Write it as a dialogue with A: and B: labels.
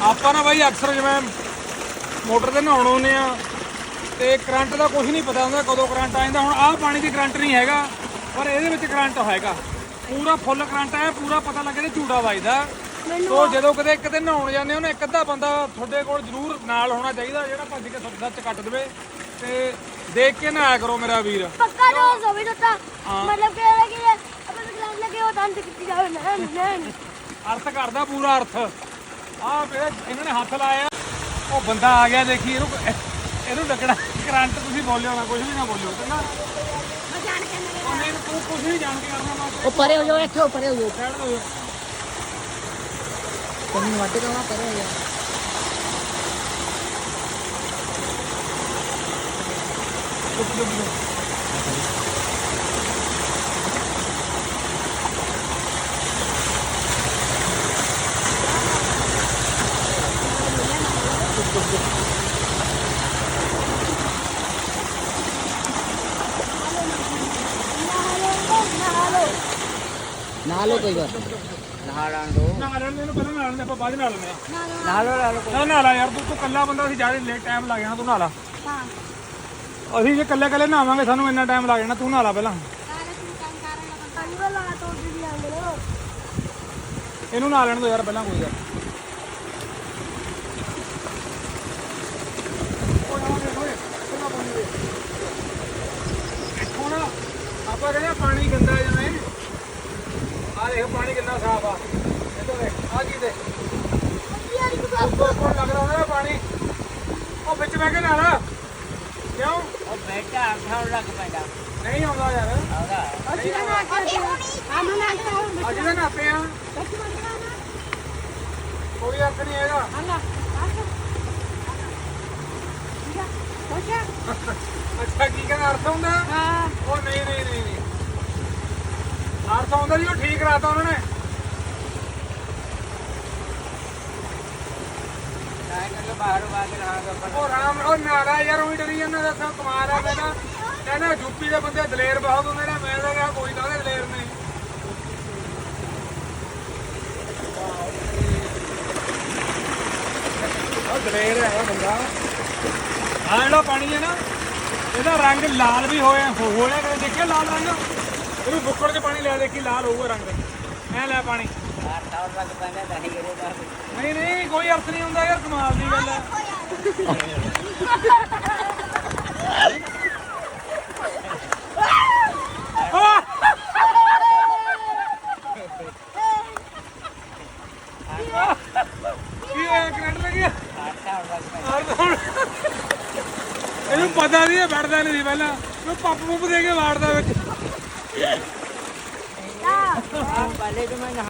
A: ਆਪਾਂ ਨਾ ਬਾਈ ਅਕਸਰ ਜਿਵੇਂ ਮੋਟਰ ਤੇ ਨਹਾਉਣ ਆਉਂਦੇ ਆ ਤੇ ਕਰੰਟ ਦਾ ਕੁਝ ਨਹੀਂ ਪਤਾ ਹੁੰਦਾ ਕਦੋਂ ਕਰੰਟ ਆ ਜਾਂਦਾ। ਹੁਣ ਆਹ ਪਾਣੀ ਦੀ ਕਰੰਟ ਨਹੀਂ ਹੈਗਾ ਪਰ ਇਹਦੇ ਵਿੱਚ ਕਰੰਟ ਹੈਗਾ, ਪੂਰਾ ਫੁੱਲ ਕਰੰਟ ਹੈ, ਪੂਰਾ ਪਤਾ ਲੱਗੇ ਤੇ ਝੂੜਾ ਵੱਜਦਾ। ਸੋ ਜਦੋਂ ਕਿਤੇ ਨਹਾਉਣ ਜਾਂਦੇ ਹੋ ਨਾ ਇੱਕ ਅੱਧਾ ਬੰਦਾ ਤੁਹਾਡੇ ਕੋਲ ਜ਼ਰੂਰ ਨਾਲ ਹੋਣਾ ਚਾਹੀਦਾ ਜਿਹੜਾ ਭੱਜ ਕੇ ਸੱਚ ਕੱਟ ਦੇਵੇ ਤੇ ਦੇਖ ਕੇ ਨਹਾਇਆ ਕਰੋ ਮੇਰਾ ਵੀਰ।
B: ਪੱਕਾ ਡੋਜ਼ ਹੋਵੇ ਤਾਂ ਮਤਲਬ ਕਿ ਆਪਾਂ ਗਲਾਸ ਲੱਗੇ ਉਹ ਤਾਂ ਕੀਤੀ ਜਾਵੇ ਨਾ
A: ਅਰਥ ਕਰਦਾ ਪੂਰਾ ਅਰਥ। ਆਹ ਇਹਨਾਂ ਨੇ ਹੱਥ ਲਾਇਆ, ਉਹ ਬੰਦਾ ਆ ਗਿਆ ਦੇਖੀ ਇਹਨੂੰ ਲੱਗਣਾ ਕਰੰਟ। ਤੁਸੀਂ ਬੋਲਿਓ ਨਾ, ਕੁਝ ਵੀ ਨਾ ਬੋਲਿਓ ਚੰਗਾ।
B: ਮੈਂ ਜਾਣ ਕੇ
A: ਨਹੀਂ ਤੂੰ ਕੁਝ ਨਹੀਂ ਜਾਣ ਕੇ ਕਰਨਾ ਬਸ।
C: ਉਹ ਪਰੇ ਹੋ ਜਾਓ, ਇੱਥੇ ਪਰੇ ਹੋ ਜਾਓ,
A: ਸਾਈਡ ਹੋ ਜਾਓ।
C: ਤੈਨੂੰ ਵੱਢ ਕੇ ਪਰੇ ਹੋ ਜਾਓ। ਨਹਾ ਲਓ ਕੋਈ ਗੱਲ ਨਹਾ ਲੈਣ ਦੋ।
A: ਨਹਾ ਲੈਣ ਦੇ ਇਹਨੂੰ, ਪਹਿਲਾਂ ਨਹਾ ਲੈਂਦੇ ਆਪਾਂ ਬਾਅਦ ਨਹਾ ਲੈਂਦੇ ਆ।
C: ਨਹਾ ਲਓ
A: ਨਾ ਨਹਾ ਲਾ ਯਾਰ, ਤੂੰ ਕੱਲਾ ਬੰਦਾ ਸੀ, ਜ਼ਿਆਦਾ ਲੇਟ ਟਾਈਮ ਲੱਗ ਜਾਣਾ। ਤੂੰ ਨਹਾ ਲਾ।
B: ਹਾਂ
A: ਅਸੀਂ ਜੇ ਕੱਲੇ ਨਹਾਵਾਂਗੇ ਸਾਨੂੰ ਇੰਨਾ ਟਾਈਮ ਲੱਗ ਜਾਣਾ। ਤੂੰ ਨਹਾ ਲਾ ਪਹਿਲਾਂ। ਇਹਨੂੰ ਨਹਾ ਲੈਣ ਦੋ ਯਾਰ ਪਹਿਲਾਂ ਕੋਈ ਗੱਲ। ਹੁਣ ਆਪਾਂ ਕਹਿੰਦੇ ਪਾਣੀ ਗੰਦਾ ਜਿਵੇਂ ਆ ਦੇਖ ਪਾਣੀ ਕਿੰਨਾ ਸਾਫ ਆ। ਇੱਧਰ ਦੇਖ ਆ ਕੀ ਦੇ ਕੋਲ ਲੱਗ ਰਿਹਾ ਉਹਦਾ ਪਾਣੀ। ਉਹ ਵਿੱਚ ਬਹਿ ਕੇ ਨਹਾ ਲਾ। ਕਿਉਂ
C: ਉਹ ਬੈਠਾ ਆਖਾਉਣ ਲੱਗ ਪੈਂਦਾ।
A: ਨਹੀਂ ਆਉਂਦਾ ਯਾਰ।
C: ਆਉਂਦਾ
A: ਅੱਜ ਤਾਂ ਨਹਾਤੇ ਆ, ਕੋਈ ਅਰਥ ਨਹੀਂ ਹੈਗਾ। ਅੱਛਾ ਕੀ ਕਹਿੰਦਾ ਅਰਥ ਹੁੰਦਾ? ਉਹ ਨਹੀਂ ਅਰਥ ਆਉਂਦਾ ਜੀ, ਉਹ ਠੀਕ ਕਰਾਤਾ ਉਹਨਾਂ ਨੇ। ਉਹ ਰਾਮ ਉਹ ਨਾਰਾ ਯਾਰ ਉਹੀ ਡਰੀ ਜਾਂਦਾ। ਦੱਸਾਂ ਕਮਾਲ ਆ। ਮੈਂ ਤਾਂ ਕਹਿੰਦਾ ਯੂਪੀ ਦੇ ਬੰਦੇ ਦਲੇਰ ਬਹੁਤ ਹੁੰਦੇ ਨੇ। ਮੈਂ ਤਾਂ ਕਿਹਾ ਕੋਈ ਕਾਹਦੇ ਦਲੇਰ ਨੇ। ਉਹ ਦਲੇਰ ਹੈਗਾ ਬੰਦਾ। ਆਹ ਜਿਹੜਾ ਪਾਣੀ ਹੈ ਨਾ ਇਹਦਾ ਰੰਗ ਲਾਲ ਵੀ ਹੋਇਆ ਕਦੇ ਦੇਖਿਆ ਲਾਲ ਰੰਗ? ਇਹਨੂੰ ਬੁੱਕੜ 'ਚ ਪਾਣੀ ਲੈ ਦੇਖੀ ਲਾਲ ਹੋਊਗਾ ਰੰਗ। ਐ ਲੈ ਪਾਣੀ। ਨਹੀਂ ਕੋਈ ਅਰਥ ਨਹੀਂ ਹੁੰਦਾ ਯਾਰ, ਕਮਾਲ ਦੀ ਗੱਲ ਹੈ। ਕੀ ਹੋਇਆ? ਕਰੰਟ ਲੱਗਿਆ? ਇਹਨੂੰ ਪਤਾ ਨਹੀਂ, ਬੈਠਦਾ ਨਹੀਂ ਸੀ ਪਹਿਲਾਂ। ਉਹ ਪੰਪ ਦੇ ਕੇ ਵਾੜਦਾ ਵਿੱਚ।
C: ਪਹਿਲੇ ਤੋਂ ਮੈਂ